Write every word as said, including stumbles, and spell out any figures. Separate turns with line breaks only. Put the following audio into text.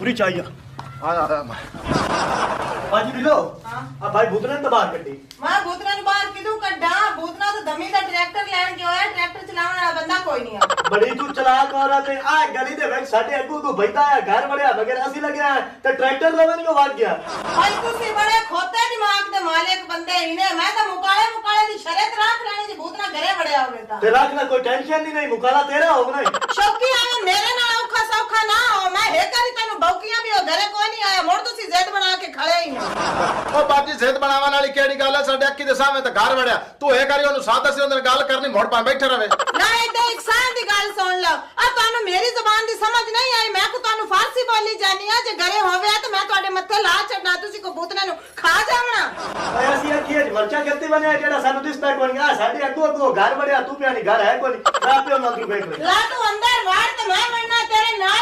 पूरी चाहिए
ਆ ਆ
बाजी दिलो
हाँ।
अब भाई भूतने तो बाहर कटी
मैं भूतना नु बाहर किदू कड्डा भूतना तो दमी दा ट्रैक्टर लैन गया है ट्रैक्टर चलाने वाला बंदा कोई नहीं है
बड़ी तू चलाक औरत है आ गली दे ਵਿੱਚ ਸਾਡੇ ਅੱਗੂ ਤੂੰ ਬੈਠਾ ਹੈ ਘਰ ਬੜਿਆ ਵਗੈਰ ਅਸੀਂ ਲੱਗਿਆ ਤੇ ਟਰੈਕਟਰ ਲਵਨ ਨੂੰ ਵਗ ਗਿਆ
भाई तुसी बड़े खोते दिमाग दे मालिक बंदे ही ने मैं तो मुकाले मुकाले दी शर्त राख लेनी जी भूतना घरे बड़या होवे ता
ਤੇ ਰੱਖ ਲੈ ਕੋਈ ਟੈਨਸ਼ਨ ਨਹੀਂ ਨਹੀਂ ਮੁਕਾਲਾ ਤੇਰਾ ਹੋਣਾ ਹੀ
शौकी आवे मेरे नाल औखा सौखा ना हो मैं हे करी तैनू बौकियां भी हो घरे कोई नहीं आया मुड़ तुसी जिद बना के खड़े ही ने
ਉਹ ਬਾਜੀ ਸਿਹਤ ਬਣਾਉਣ ਵਾਲੀ ਕਿਹੜੀ ਗੱਲ ਹੈ ਸਾਡੇ ਅੱਖੀ ਦੇ ਸਾਹਮਣੇ ਤਾਂ ਘਰ ਵੜਿਆ ਤੂੰ ਇਹ ਕਰੀ ਉਹਨੂੰ ਸਾਦਾ ਸੀ ਉਹਦੇ ਨਾਲ ਗੱਲ ਕਰਨੀ ਮੋੜ ਪਾ ਬੈਠਾ ਰਵੇ
ना इधर एक साल दी गल सुन लो आ तानू मेरी जुबान दी समझ नहीं आई मैं को तानू फारसी बोली जानी है जे घरे होवे तो मैं ਤੁਹਾਡੇ ਮੱਥੇ ਲਾ ਛੱਡਣਾ ਤੁਸੀਂ ਕੋ ਭੂਤਨੇ ਨੂੰ ਖਾ ਜਾਵਣਾ
ਓਏ ਅਸੀਂ ਆਖੀਏ ਮਰਚਾ ਕਿੱਥੇ ਬਣਿਆ ਜਿਹੜਾ ਸਾਨੂੰ ਦਿਸਦਾ ਕੋਈ ਨਹੀਂ ਆ ਸਾਡੇ ਅੱਗੂ ਅੱਗੂ ਘਰ ਬੜਿਆ ਤੂੰ ਪਿਆ ਨਹੀਂ ਘਰ ਹੈ ਕੋਈ ਨਹੀਂ ਆਪੇ ਉਹਨਾਂ ਨੂੰ ਬੈਠ
ਲਾ ਤੂੰ ਅੰਦਰ ਵਾੜ ਤੇ ਮੈਂ ਵੜਨਾ ਤੇਰੇ ਨਾਲ